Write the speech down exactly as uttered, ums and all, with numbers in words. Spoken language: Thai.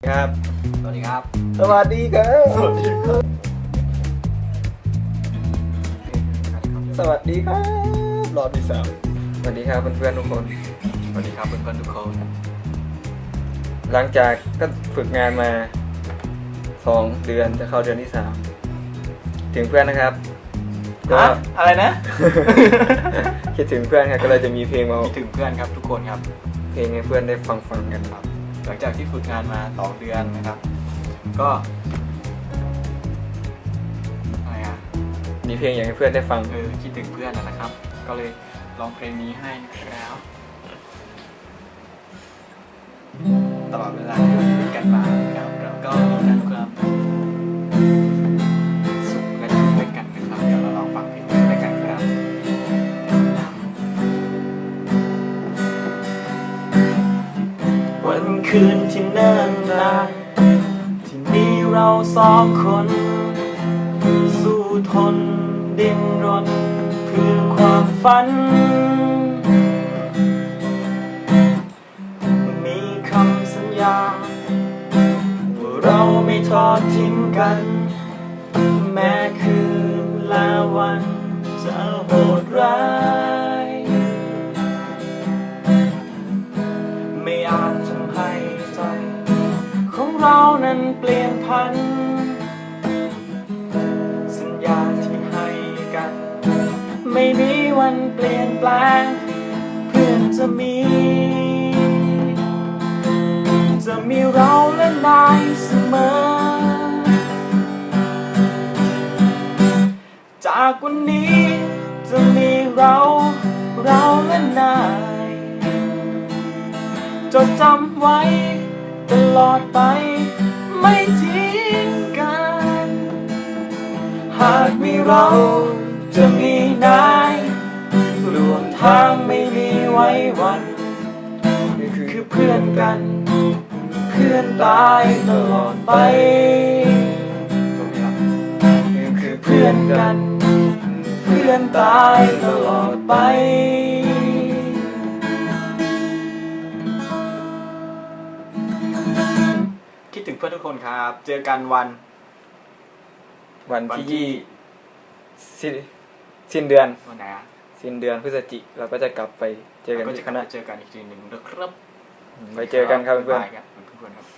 ครับสวัสดีครับสวัสดีครับสวัสดีครับสวัสดีครับรอบที่สามสวัสดีครับเพื่อนๆทุกคนสวัสดีครับเพื่อนๆทุกคนหลังจากก็ฝึกงานมาสองเดือนจะเข้าเดือนที่สามถึงเพื่อนนะครับก็อะไรนะคิดถึงเพื่อนครับก็เลยจะมีเพลงมาคิดถึงเพื่อนครับทุกคนครับเพลงให้เพื่อนได้ฟังฟังกันครับหลังจากที่ฝึกงานมาสองเดือนนะครับก็อะไรอ่ะมีเพลงอยากให้เพื่อนได้ฟังเออคิดถึงเพื่อนนะครับก็เลยลองเพลงนี้ให้นะครับตลอดเวลาที่เราอยู่ด้วยกันมาครับเราก็มีทั้งความสุขและทุกข์ด้วยกันนะครับเดี๋ยวเราลองฟังเพลงนี้ด้วยกันครับวันคืนที่เนิ่นนานที่มีเราสองคนสู้ทนดิ้นรนเพื่อความฝันมีคำสัญญาว่าเราไม่ทอดทิ้งกันแม้คืนและวันจะโหดร้ายไม่อาจทำให้ใจของเรานั้นเปลี่ยนพันสัญญาที่ให้กันไม่มีวันเปลี่ยนแปลงเพื่อนจะมีจะมีเราและนายเสมอจากวันนี้จะมีเราเราและนายจดจำไว้ตลอดไปไม่ทิ้งกันหากมีเราจะมีนายรวมทางไม่มีไว้วันคือเพื่อนกันเพื่อนตายตลอดไปคือเพื่อนกันเพื่อนตายตลอดไปคิดถึงเพื่อนทุกคนครับเจอกันวันวันที่สิ้นสิ้นเดือนวันไหนอะสิ้นเดือนพฤศจิกเราก็จะกลับไปเจอกันที่คณะเจอกันอีกทีหนึ่งนะครับไปเจอกันครับเพื่อนๆครับเพื่อนๆครับ